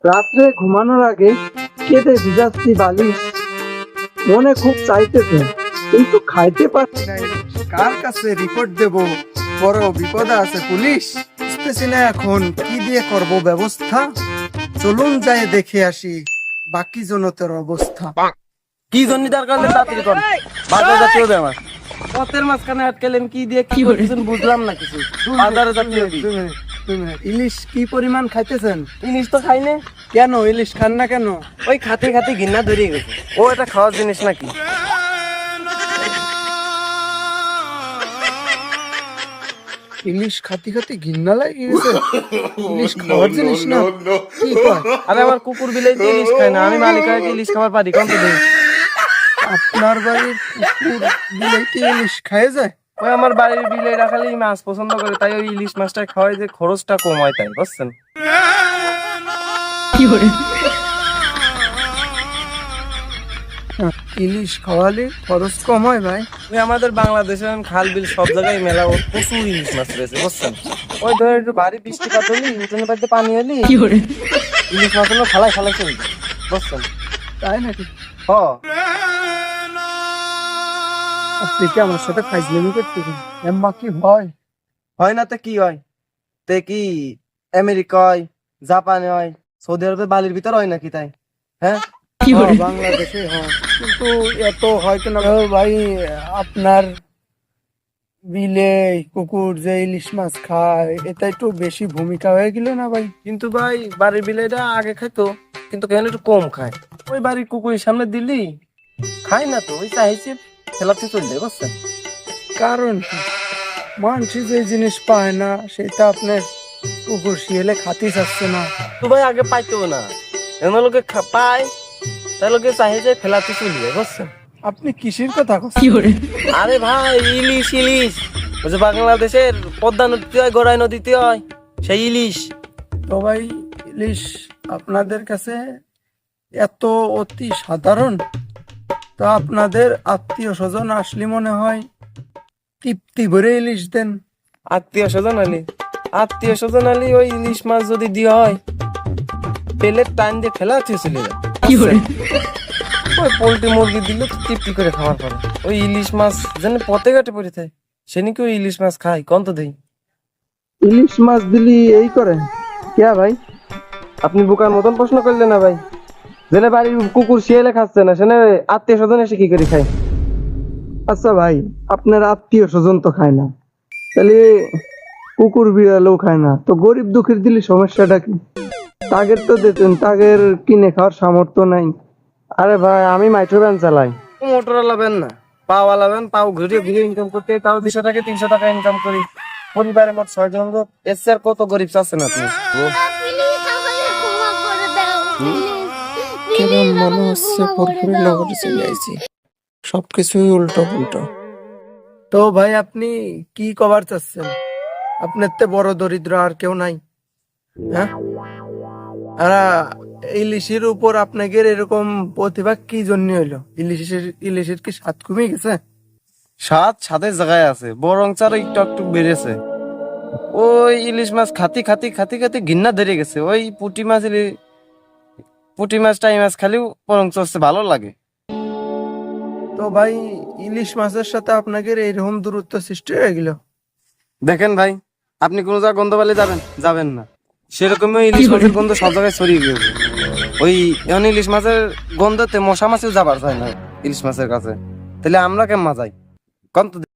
রাত্রে ঘুমানোর আগে কেঁদে ভিজাচ্ছি বালিশ, মনে খুব চাইতেছে কিন্তু খাইতে পারছি না। কার কাছে রিপোর্ট দেব? বড় বিপদে আছে পুলিশ, বুঝতেছি না এখন কি দিয়ে করব ব্যবস্থা। চলুন যাই দেখে আসি বাকি জনতার অবস্থা। কি জন্য দরকার নেই, তাড়াতাড়ি কর। বাজার জাতীয় ব্যাপার, পথের মাঝখানে আটকালেন কি দিয়ে কি করতেছেন বুঝলাম না কিছু। বাজারে জাতীয় ইলিশ কি পরিমাণ খাইতেছেন? ইলিশ তো খাইনে। কেন ইলিশ খান না কেন? ওই খাতে খাতে ঘৃণা ধরে গেছে। ও এটা খাওয়ার জিনিস নাকি? ইলিশ খাতি খাতি ঘৃণা লাগে গেছে? ইলিশ খাওয়ার জিনিস না? কি কয়? আরে আমার কুকুর বিলাই তো ইলিশ খায় না, আমি মালিক হয়ে কি ইলিশ খাবার পারি? কম তো দেই। আপনার বাড়ির কুকুর বিলাইতে ইলিশ খায় যায়? ওই আমার বাড়ির বিলে রাখালেই মাছ পছন্দ করে, তাই ওই ইলিশ মাছটা খাওয়াই যে খরচটা কম হয়, তাই বুঝছেন? ইলিশ খাওয়ালে খরচ কম হয় ভাই? ওই আমাদের বাংলাদেশের খাল বিল সব জায়গায় মেলা প্রচুর ইলিশ মাছ রয়েছে, বুঝছেন? ওই ধর একটু ভারী বৃষ্টিপাত হলি, উঠোনের বাড়িতে পানি হলি, ইলিশ মাছ হলো ফালাই ফালাই চলে যায়, বুঝছেন? তাই নাকি? হ, আপনি কি আমার সাথে ফাইজলামি করতেছেন? এম্মা কি হয়? হয় না তো কি হয়? তে কি আমেরিকা হয়, জাপানে হয়, সৌদি আরবে বালির ভিতর হয় নাকি? তাই হ্যাঁ, বাংলাদেশে হয়, কিন্তু এত হয় কেন ভাই? আপনার বিলে কুকুর যে ইলিশ মাছ খায়, এটা একটু বেশি ভূমিকা হয়ে গেল না ভাই? কিন্তু ভাই বাড়ির বিলাইটা আগে খাইতো, কিন্তু কেন একটু কম খায়। ওই বাড়ির কুকুরের সামনে দিলি খায় না তো, ওই চাইছে ফেলাতে চলে যায়, বুঝছেন? কারণ কি? মানুষ যে জিনিস পায় না সেটা আপনার কুকুর শিয়ালে খাতি চাচ্ছে না। তো ভাই আগে পাইতো না, এমন লোকে পায়, তাই লোকে চাইছে ফেলাতে চলে যায়, বুঝছেন? আপনি কিসের কথা বলছেন? আরে ভাই ইলিশ ইলিশ, ওই যে বাংলাদেশের পদ্মা নদীতে হয়, গড়াই নদীতে হয়, সেই ইলিশ। তো ভাই ইলিশ আপনাদের কাছে এত অতি সাধারণ, তো আপনাদের আত্মীয় স্বজন আসলে মনে হয় তৃপ্তি ভরে ইলিশ দেন। আত্মীয় স্বজন আলি ওই ইলিশ মাছ যদি দিয়ে হয়, পেলের টাইম দিয়ে ফেলাতে চলে যায়। ওই পোল্ট্রি মুরগি দিলে তো তৃপ্তি করে খাওয়ার পরে ওই ইলিশ মাছ যেন পথে ঘাটে পড়ে থাকে, সে নাকি ওই ইলিশ মাছ খায়, কন্ত দেই। ইলিশ মাছ দিলি এই করে কে ভাই? আপনি বোকার মতন প্রশ্ন করলেন না ভাই। জেনে বাড়ির কুকুর শিয়ালে খাচ্ছে না, সেনে আত্মীয় স্বজন এসে কি করে খায়? আচ্ছা ভাই, আপনার আত্মীয় স্বজন তো খায় না, তাহলে কুকুর বিড়ালও খায় না, তো গরিব দুঃখীর দিলে সমস্যাটা কি? তাগের তো দিতেন, তাগের কিনে খাওয়ার সামর্থ্য নাই। আরে ভাই আমি মাইক্রো ভ্যান চালাই, মোটর লাবেন না, পাওয়া লাবেন, পাও ঘুরিয়ে ঘুরিয়ে ইনকাম করতে, তাও 200 থেকে 300 টাকা ইনকাম করি। পরিবারে মোট 6 জন লোক, এর চেয়ে আর কত গরিব চাচ্ছেন আপনি? কেমন মনে হচ্ছে পুরপুরি নগরে চলে আইছি, সবকিছুই উল্টো পুল্টো। তো ভাই আপনি কি কভার চাচ্ছেন? আপনার তে বড় দরিদ্র আর কেউ নাই? হ্যাঁ, আর ইলিশের উপর আপনাদের এরকম প্রতিভা কি জন্য হইলো? ইলিশের কি স্বাদ কমে গেছে? স্বাদ স্বাদের জায়গায় আছে, বরং চার একটু একটু বেড়েছে। ওই ইলিশ মাছ খাতি খাতি খাতি খাতি ঘৃণা ধরে গেছে। ওই পুঁটি মাছ টাই মাছ খালিও বরং চলছে ভালো লাগে। তো ভাই ইলিশ মাছের সাথে আপনাদের এইরকম দূরত্ব সৃষ্টি হয়ে গেল? দেখেন ভাই, আপনি কোন জায়গায় গন্ধ পেলে যাবেন না, সেরকমই ইলিশ মাছের গন্ধ সব জায়গায় ছড়িয়ে গিয়েছে। ওই এখন ইলিশ মাছের গন্ধতে মশা মাছিও যাবার চায় না ইলিশ মাছের কাছে, তাহলে আমরা কেমন যাই কন্ত?